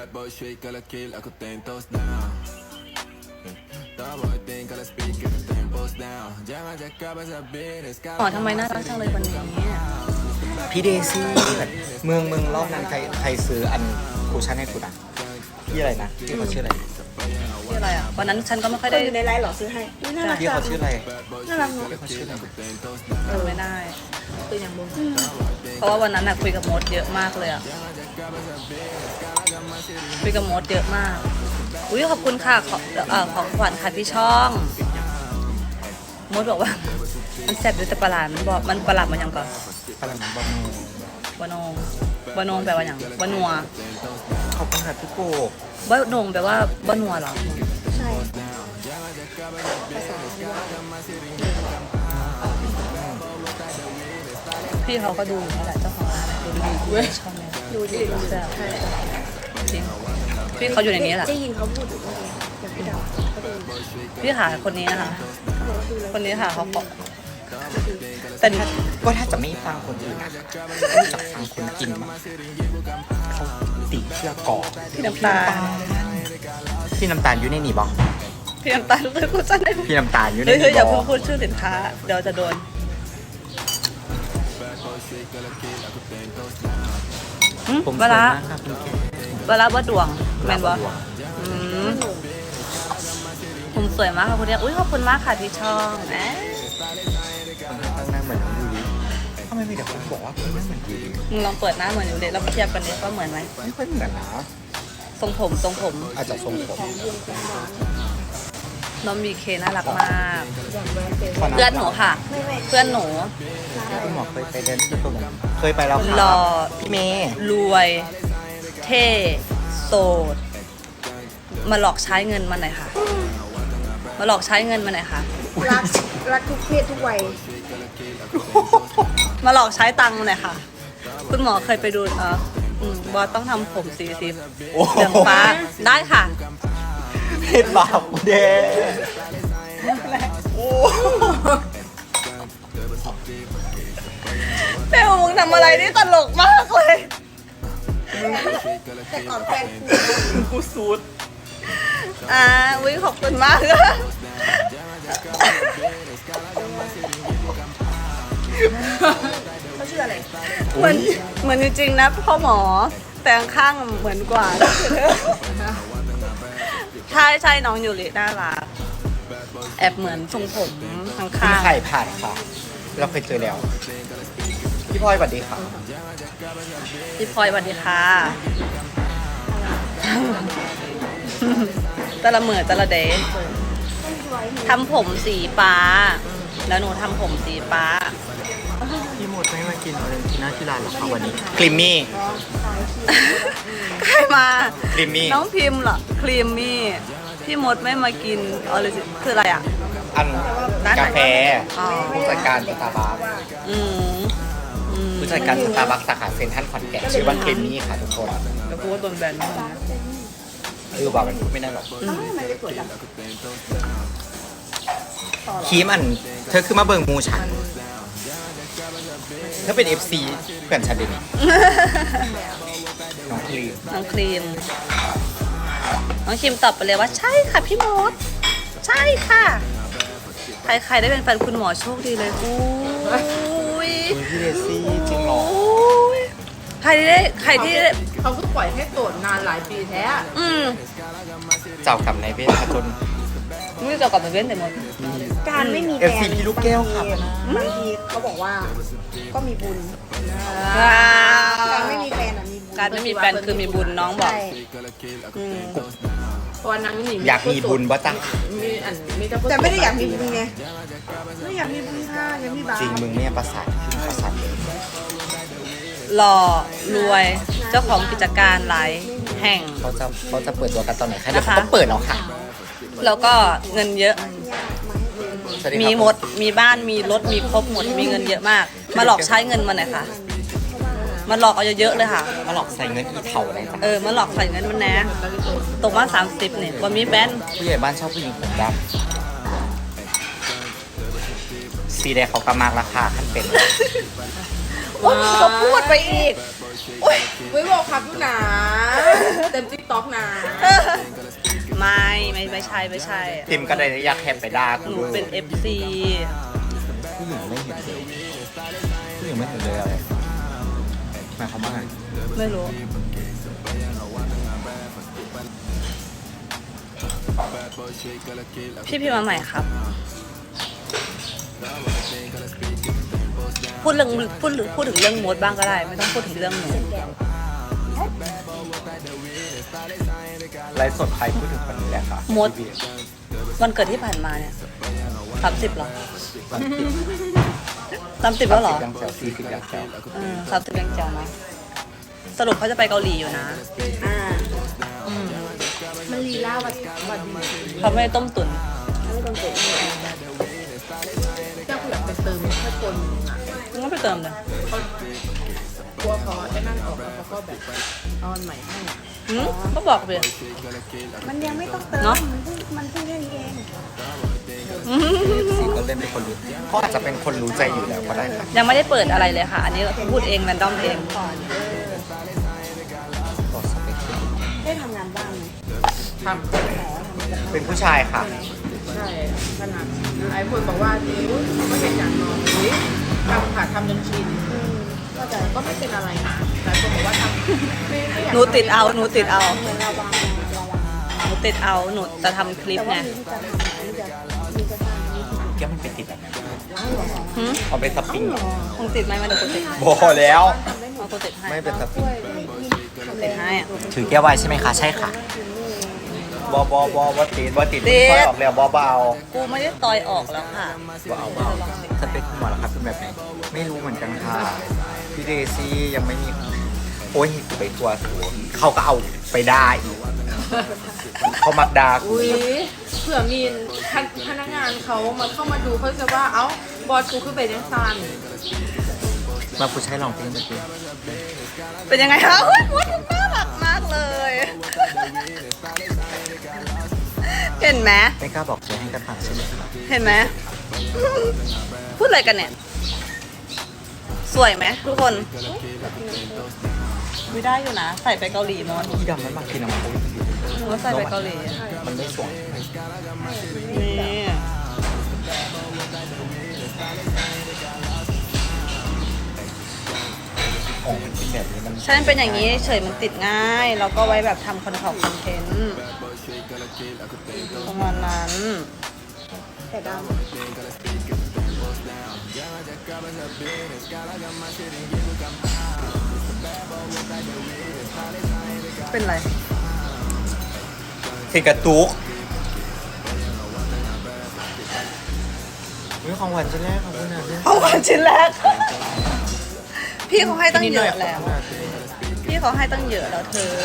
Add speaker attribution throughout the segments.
Speaker 1: อ๋อทำไมน่ารักจังเลยวันนี้
Speaker 2: พี่เดซี่เมืองรอบนั้นใครซื้ออันคูชั่นให้คุณอ่ะพี่อะไรนะพี่เขาชื่ออะไร
Speaker 1: ชื่ออะไรอ่ะวันนั้นฉันก็ไม่ค่อย
Speaker 3: ได้
Speaker 1: ได้
Speaker 3: อยู่ในไลน์หรอซื้อให้น่ารัก
Speaker 2: พี่เขาชื่ออะไร
Speaker 3: น่ารักเนาะ
Speaker 2: พี่เขาชื่ออะไร
Speaker 1: ไม่ได้
Speaker 3: ตัวอย่างบง
Speaker 1: เพราะว่าวันนั้นน่ะคุยกับมดเยอะมากเลยอ่ะคุยกับมดเยอะมากอุ้ยขอบคุณค่ะของขวัญค่ะที่ช่องมดบอกว่ามันแซ่บด้วยแต่ประหลาดมันบอกมันประหลาดมันยังก่อน
Speaker 2: อะไรนะบอม
Speaker 1: บานงบานงแปลว่าอย่างบานัว
Speaker 2: ขอบคุณค่ะพี่โก
Speaker 1: บานงแปลว่าบานัวเหรอ
Speaker 3: ใช่ภาษา
Speaker 1: พี่เขาก็ดูอยู่นั่นแหละเจ้าของร้านดูดีด้วยชอบไหม
Speaker 3: ดูดี
Speaker 1: แซ่บ
Speaker 3: ใช่
Speaker 1: จริงพี่เขาอยู่ในนี้แหละ
Speaker 3: ได้ยินเขาพูดอยู่เมื่อกี้อย่างพี่ดาวเขาดู
Speaker 1: พี่หาคนนี้นะคะ
Speaker 3: เขาบอกว่าดูแล้ว
Speaker 1: คนนี้ค่ะเขาบอกแต่
Speaker 2: ก็ถ้าจะไม่ฟังคนอื่นนะจะฟังคนกินมั้งเขาติเชื่อกอ
Speaker 1: พี่น้ำตาล
Speaker 2: พี่น้ำตาลอยู่ในนี่บอก
Speaker 1: พี่น้ำตาลเลยพูดจังเลย
Speaker 2: พี่น้ำตาลอยู่ใน
Speaker 1: เฮ้ย
Speaker 2: นี่
Speaker 1: อย่า
Speaker 2: บ
Speaker 1: เพิ่
Speaker 2: อง ก
Speaker 1: พูดชื่อสินค้าเดี๋ยวจะโดน
Speaker 2: ผม
Speaker 1: เวลา
Speaker 2: สวยมากครับคุณแก
Speaker 1: เวลาว่าดวงแมนบอ
Speaker 2: หวัง
Speaker 1: ผมสวยมากค่ะคุณเนี่ยอุ้ยขอบคุณมากค่ะที่ช่องแหม
Speaker 2: ตั้งหน้าเหมือนน้องยูริทำไมมีแต่คนบอกว่าคุณหน้าเหมือนยูริ
Speaker 1: มึงลองเปิดหน้าเหมือนอยู่เด็กแล้วเทียบกันดิว่าเหมือนไหม
Speaker 2: ไม่ค่อยเหมือนนะ
Speaker 1: ทรงผม
Speaker 2: อาจจะทรงผม
Speaker 1: น้องมีเคน่ารักมาก
Speaker 3: อย่างแวนเฟ
Speaker 2: ขนาด
Speaker 1: เพื่อนหนูค่ะ
Speaker 3: ไม่
Speaker 1: เพื่อนหนู
Speaker 2: คุณหมอเคยไปเดินที่ตรงนั้นเคยไปแล้วค่ะ
Speaker 1: หล่อ
Speaker 2: พี่เมย์
Speaker 1: รวย เท่โสดมาหลอกใช้เงินมาหน่อยค่ะ มาหลอกใช้เงินมาหน่อยค่ะ
Speaker 3: รักทุกเพศทุกวัย
Speaker 1: มาหลอกใช้ตังค์มาหน่อยค่ะ คุณหมอเคยไปดูบอสต้องทำผมสี
Speaker 2: โอ้
Speaker 1: เหลืองฟ้าได้ค่ะ
Speaker 2: เพศบาปเด้โอ้
Speaker 1: เป้มึงทำอะไรนี่ตลกมากเลย
Speaker 3: แต่ก่อนแฟน
Speaker 2: กูสูด
Speaker 1: วิขอบคุณมาก
Speaker 3: เขาชื่ออะไร
Speaker 1: เหมือนจริงๆนะพ่อหมอแต่ข้างๆเหมือนกว่า ใช่น้องยูริน่ารักแอบเหมือนทรงผมข้าง
Speaker 2: พี่ไข่ผ่านค่ะ เราเคยเจอแล้ว พี่พลอยสวัสดีค่ะ
Speaker 1: ๆพี่พลอยสวัสดีค่ะตะละเหมือตะละเดย์ทำผมสีฟ้า แล้วหนูทำผมสีฟ้า
Speaker 2: พี่หมดไม่มากินออเรนจิน่าที่ร้านหรอคะวันนี้คลิมมี่
Speaker 1: ใครมา
Speaker 2: ครีมมี่
Speaker 1: น้องพิมพ์เหรอครีมมี่พี่มดไม่มากินคืออะไรอ่ะ
Speaker 2: อัน
Speaker 1: ร้านไหน
Speaker 2: กาแฟ
Speaker 1: อ๋อ
Speaker 2: ผู้จัดการสตาร์บัค
Speaker 1: อืม
Speaker 2: ผู้จัดการสตาร์บัคสาขาเซ็นทรัลขอนแก่นชื่อว่าคลิมมี่ค่ะทุกคน
Speaker 1: แล้วกูว่าโดนแบนมากนะ
Speaker 2: ว่ามันพูดไม่ได้หรอก
Speaker 3: ทำไมไม่สวยจัง
Speaker 2: ครีมอัน เธอคือมาเบิ่งมูฉันเธอเป็น FC เพื่อนฉันเดี๋ยวนี้น้องครีม
Speaker 1: น้องครีมน้องครีมตอบไปเลยว่าใช่ค่ะพี่มดใช่ค่ะ ใครได้เป็นแฟนคุณหมอโชคดีเลยอุ้ย
Speaker 2: พี่เดซี่จริงเหรอ
Speaker 1: อุ้ยใครที่ได้
Speaker 4: เขาก็ปล่อยให้โสดนานหลายปีแท้
Speaker 2: เจ้ากรรมนายเวรค่ะจน
Speaker 1: ไม่จะกลับมาเว้นแต่หมด
Speaker 3: การไม่มีแฟน
Speaker 2: FC พี่ลูกแก้วครับ
Speaker 3: บางทีเขาบอกว่าก็มีบุญ การไม่มีแฟนมีบุญ
Speaker 1: การไม่มีแฟนคือมีบุญน้องบอก
Speaker 3: ใช่
Speaker 4: เพราะวันนั้นหนี
Speaker 2: อยากมีบุญบ่จ๊ะ
Speaker 4: มีแต่
Speaker 3: แต่ไม่ได้อยากมีบุญไงไม่อยากมีบุญค่ะอยากมีบาป
Speaker 2: จริงมึงเนี่ยประสาทประสาทเลย
Speaker 1: หล่อรวยเจ้าของกิจการหลายแห่ง
Speaker 2: เขาจะเปิดตัวกันตอนไหนคะเดี๋ยว
Speaker 1: นะคะ
Speaker 2: เขาต้องเปิดแล้วค่ะ
Speaker 1: แล้วก็เงินเยอะ
Speaker 2: สวัสดีครับ
Speaker 1: มีหมด มีบ้าน มีรถ มีครบหมด มีเงินเยอะมาก มาหลอกใช้เงินมาหน่อยค่ะ มาหลอกเอาเยอะๆเลยค่ะ
Speaker 2: มาหลอกใส่เงินอีเถาอะไรจ้ะ
Speaker 1: มาหลอกใส่เงินมันแนะตกมา30เนี่ยว่ามีแบน
Speaker 2: ผู้ใหญ่บ้านชอบผู้หญิงผมดำสีแดงเขากำมากราคาขั้นเป็น
Speaker 1: ก็พูดไปอีก
Speaker 4: ไม่บอกครับลูกหนาเต็มติ๊กต็อกนะ
Speaker 1: ไม่ใช่
Speaker 2: ติมก็เลยอยากแคปไปด่า
Speaker 1: ห
Speaker 2: กู
Speaker 1: นูเป็น FC
Speaker 2: ผู้หญิงไม่เห็นเลยผู้หญิงไม่เห็นเลยอะไรหมายความว่าไง
Speaker 1: ไม่รู้ พี่พิมพ์มาใหม่ครับ พูดถึงเรื่องมดบ้างก็ได้ ไม่ต้องพูดถึงเรื่องหนู
Speaker 2: ไลฟ์สดใครพูดถึงคนนี้แหละค่ะ
Speaker 1: มด วันเกิดที่ผ่านมาเนี่ย30หรอ30แล้วเหรอ
Speaker 2: ยังแซว40ยังแซว
Speaker 1: 30ยังแจ๋วนะสรุปเขาจะไปเกาหลีอยู่นะ
Speaker 3: อ่า
Speaker 4: มันลีลาวัดดี
Speaker 1: เขาไม่ได้ต้มตุ๋น
Speaker 3: ไม่ต้องเก็บ
Speaker 4: เจ้ากูอยากไปเติมแค่คนนึงอ่ะ
Speaker 1: มึงก็ไปเติมเลย
Speaker 4: เขากลัวเขาไอ้นั่นออกแล้วเขาก็แบบเอาอันใหม่ให้
Speaker 1: ก็บอกไป
Speaker 3: มันยังไม่ต้องเติม
Speaker 1: เนอะ
Speaker 3: มันเพิ่งแค่นี้เอง
Speaker 2: ซีก็เล่นเป็นคนรู้เขาอาจจะเป็นคนรู้ใจอยู่แล้วก็ได้ค่ะ
Speaker 1: ยังไม่ได้เปิดอะไรเลยค่ะ อันนี้พูดเองแรนดอมเอง
Speaker 2: ต่อสเปค
Speaker 3: ได้ทำงานบ้างไหม
Speaker 4: ทำ
Speaker 2: เป็นผู้ชายค่ะ
Speaker 4: ใช่ขนาดไอ้คนบอกว่าดิวไม่เป็นอย่างนอนดิทำค่ะทำจนชินก็แต่ก็ไม่เป็นอะไรนะหลายคนบอกว่าทำไม่อยาก
Speaker 1: หนูติดเอา
Speaker 3: เหมือนระวัง
Speaker 1: หนูติดเอา หนูจะทำคลิป
Speaker 3: แต่
Speaker 1: ไง
Speaker 3: ว่ามีที่จะทำมีจะสร้างมี
Speaker 2: แกมันเป็นติดแบบนั้น
Speaker 3: ร้านเหรอ
Speaker 1: หืม
Speaker 2: เอาเป็นสปริง
Speaker 1: คงติดไหมมาเดี๋ยวกูติดให้
Speaker 2: โบแล้ว
Speaker 1: เอากูติดให้
Speaker 2: ไม่เป็นสปริง
Speaker 1: ติดให้อะ
Speaker 2: ถือแก้วไวน์ใช่ไหมคะ ใช่ค่ะบอติดซอยออกแล้วเบา
Speaker 1: กูไม่ได้ต่อยออกแล้วค่ะ
Speaker 2: เบาสเปคคุณหมอแล้วครับเป็นแบบไหนไม่รู้เหมือนกันค่ะพี่เดซี่ยังไม่มีโอ้ยไปทัวร์สูงเขาก็เอาไปได้อีกเขามักดากู
Speaker 4: อุ้ยเผื่อมีพนักงานเขามาเข้ามาดูเขาจะว่าเอ้าบอสกูคือเป็นยังซัน
Speaker 2: มาผู้ชายลองเพลงเมื่อกี้
Speaker 1: เป็นยังไงคะโอ๊ยมดน่ารักมากเลย เห็นไหม
Speaker 2: ไม่กล้าบอกเจให้กันฟังใช่ไหมครับ
Speaker 1: เห็นไหม พูดอะไรกันเนี่ย สวยไหมทุกคนไม่ได้อยู่นะ ใส่ไปเกาหลีมด
Speaker 2: พี่ดำมันบางทีน้ำพุ
Speaker 1: หนูว่าใส่ไปเกาหลี
Speaker 2: มันไม่สวย
Speaker 1: นี่
Speaker 2: ของมันเป็นแบบนี้มัน
Speaker 1: ฉันเป็นอย่างนี้เฉยมันติดง่าย แล้วก็ไว้แบบทำคอนเทนต์ประมาณนั้น
Speaker 3: แต่ดำ
Speaker 1: เป็นไร
Speaker 2: เทกระตุกนี่ของหวานชิ้นแรกของคุณนะเนี่ย
Speaker 1: เอาวันชิ้นแรก พี่เขาให้ตั้งเยอะแล้ว พี่เขาให้ตั้งเยอะแล้วเธอ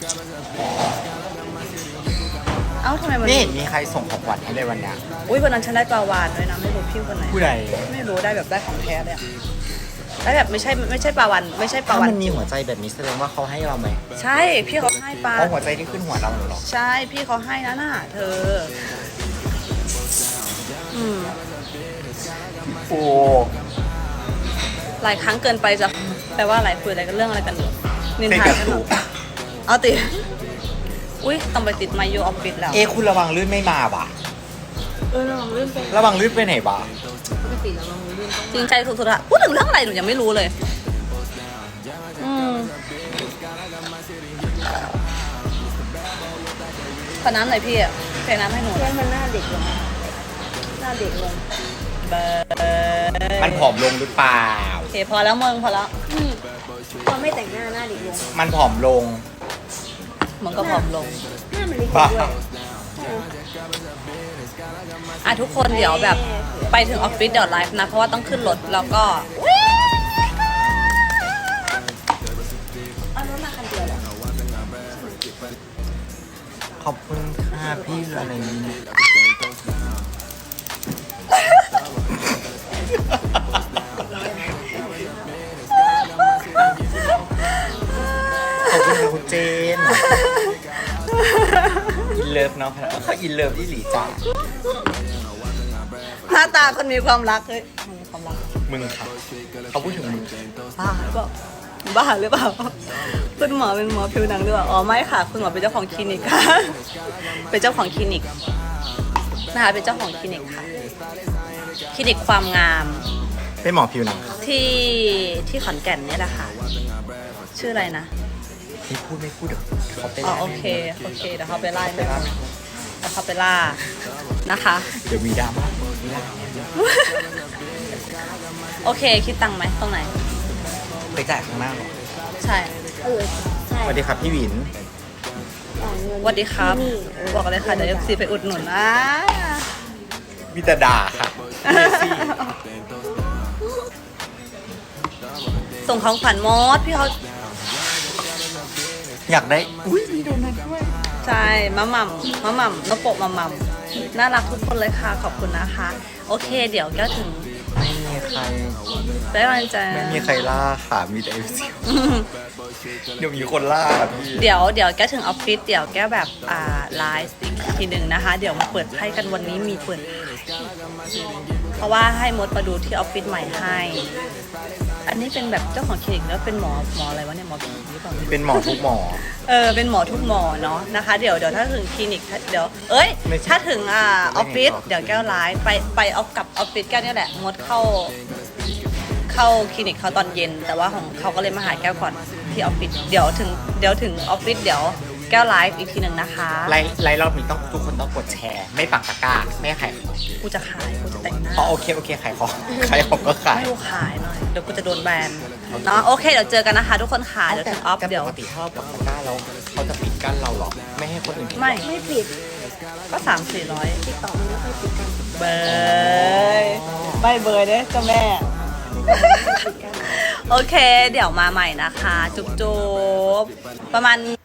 Speaker 1: เอ้าทำไมมัน
Speaker 2: นี่เห็นมีใครส่งของหวานให้เลยวันเนี้ย
Speaker 1: อุ้ยวันนั้นฉันได้ปลาวานด้วยนะ ไม่รู้พี่คนไหน
Speaker 2: ผู้ใด
Speaker 1: ไม่รู้ได้แบบได้ของแท้เลยอะได้แบบไม่ใช่ปลาวานไม่ใช่ปลา
Speaker 2: ถ้า
Speaker 1: วัน
Speaker 2: มันมีหัวใจแบบนี้แสดงว่าเขาให้เราไหม
Speaker 1: ใช่ พี่เขาให้ปลา
Speaker 2: เพราะหัวใจที่ขึ้นหัวเราเหรอ
Speaker 1: ใช่ พี่เขาให้นะน่ะเธอ อืม
Speaker 2: โอ้
Speaker 1: หลายครั้งเกินไปจะแปลว่าอะไรคุยอะไรกันเรื่องอะไรกันอยู่นิน
Speaker 2: เท
Speaker 1: ทาก
Speaker 2: ระ
Speaker 1: กันเหร
Speaker 2: ตุ
Speaker 1: อก เอาติอุ้ยต้องไปติดไมโยออฟฟิศแล้ว
Speaker 2: คุณระวังลื่นไม่มาบ่ะ
Speaker 4: ระวังเรื่องเป็น
Speaker 2: ระวังลื่นไปไหนบ่ะ
Speaker 4: ปกติระวังเรื่องต้อง
Speaker 1: จริงใจสุดๆอะพูดถึงเรื่องอะไรหนูยังไม่รู้เลย ขอน้ำหน่อยพี่อะเทน้ำให้หนู
Speaker 3: เพื่อนมันหน้าเด็กลงหน้าเด็กลง
Speaker 1: เบอร์
Speaker 2: มันผอมลงหรือเปล่า
Speaker 1: โอเคพอแล้วมึงพอแล้ว
Speaker 3: พอไม่แต่งหน้าหน้าเด็กลง
Speaker 2: มันผอมลง
Speaker 1: มึงก็ผอมลง
Speaker 3: หน้ามันเล็ก
Speaker 2: บ้า
Speaker 3: ด้วย
Speaker 1: อ่ะทุกคนเดี๋ยวแบบไปถึงออฟฟิศเดี๋ยวไลฟ์นะ เพราะว่าต้องขึ้นรถแล้วก็
Speaker 3: เอารถมาคันเดียวเหรอ
Speaker 2: ขอบคุณค่ะพี่อะไรนี้ขอบคุณค่ะคุณเจน อินเลิฟเนาะเขาอินเลิฟที่หลีจ่า
Speaker 1: หน้าตาคนมีความรักเฮ้ยมีความรัก
Speaker 2: มึงค่ะเขาพูดถึงมึง
Speaker 1: บ้าหรือเปล่าบ้าหรือเปล่าคุณหมอเป็นหมอผิวหนังหรือเปล่าอ๋อไม่ค่ะคุณหมอเป็นเจ้าของคลินิกค่ะ เป็นเจ้าของคลินิกนะคะเป็นเจ้าของคลินิกค่ะคลินิกความงาม
Speaker 2: เป็นหมอผิวหนัง
Speaker 1: ที่ขอนแก่นเนี่ยแหละค่ะชื่ออะไรนะ
Speaker 2: ที่พูดไม่พูดเดี๋ยวเขาไป
Speaker 1: อ๋อ
Speaker 2: ไล่
Speaker 1: โอเคเดี๋ยวเขาไปไล่ไม่เดี๋ยวเขาไปล่านะคะ
Speaker 2: เดี๋ยวมีดราม่า
Speaker 1: โอเคคิดตังค์ไหมตรงไหน
Speaker 2: ไปจ่ายข้างหน้าหรอ
Speaker 1: ใช่
Speaker 3: ใช่
Speaker 2: สวัสดีครับพี่หวิน
Speaker 3: จ่ายเงิน
Speaker 1: สวัสดีครับ
Speaker 3: ที่นี่
Speaker 1: บอกเลยค่ะเดี๋ยว FC ไปอุดหนุนนะ
Speaker 2: มีแต่ด่าค่ะเดซี่
Speaker 1: ส่งของขวัญมดพี่เขา
Speaker 2: อยากได้อุ้ยมีโดนัทด้วย
Speaker 1: ใช่มะหม่ำนกโปะมะหม่ำน่ารักทุกคนเลยค่ะขอบคุณนะคะ โอเค เดี๋ยวแก้วถึง
Speaker 2: ไม่มีใคร
Speaker 1: ได้กำลังใจ
Speaker 2: ไม่มีใครล่าค่ะมีแต่เอฟซีเดี๋ยวมีคนล่าค่ะพี่
Speaker 1: เดี๋ยวแก้วถึงออฟฟิศเดี๋ยวแก้วแบบไลฟ์อีกทีหนึ่งนะคะ เดี๋ยวมาเปิดไพ่กันวันนี้มีเปิดไพ่เพราะว่าให้มดมาดูที่ออฟฟิศใหม่ให้ อันนี้เป็นแบบเจ้าของคลินิกแล้วเป็นหมออะไรวะเนี่ยหมอผีหรือเปล่า
Speaker 2: เป็นหมอทุกหมอ
Speaker 1: เป็นหมอทุกหมอเนาะนะคะ เดี๋ยวถ้าถึงคลินิกเดี๋ยว
Speaker 2: ไม่ใช่
Speaker 1: ถ้าถึงออฟฟิศ
Speaker 2: ไม่เห็นหรอ
Speaker 1: เดี๋ยวแก้วไลฟ์ไปออฟกับออฟฟิศแก้วเนี่ยแหละงดเข้าคลินิกเขาตอนเย็น แต่ว่าของเขาก็เลยมาหาแก้วก่อนที่ออฟฟิศเดี๋ยวถึงออฟฟิศเดี๋ยวแก้วไลฟ์อีกทีหนึ่งนะคะ
Speaker 2: ไล่รอบนี้ต้องทุกคนต้องกดแชร์ ไม่ปักตะกร้าไม่ขายของ
Speaker 1: กูจะขายกูจะแต่งหน้า
Speaker 2: อ๋อโอเคขายของขายของก็ขาย
Speaker 1: ให้กูขายหน่อยเดี๋ยวกูจะโดนแบนเนาะโอเคเดี๋ยวเจอกันนะคะทุกคนค่ะเดี๋ยวถึงออฟ
Speaker 2: แต่
Speaker 1: เดี๋ยว
Speaker 2: ปกติถ้าเราปักตะกร้าแล้วเขาจะปิดกั้นเราหรอไม่ให้คนอื่นเห็น
Speaker 1: ไม่
Speaker 3: ไม่ปิด
Speaker 1: ก็300-400
Speaker 3: ติดต่อมันไม่ค่อยปิดกัน
Speaker 1: เบยไม่เบยเด้เจ้าแม่ โอเค เดี๋ยวมาใหม่นะคะ จุ๊บๆประมาณ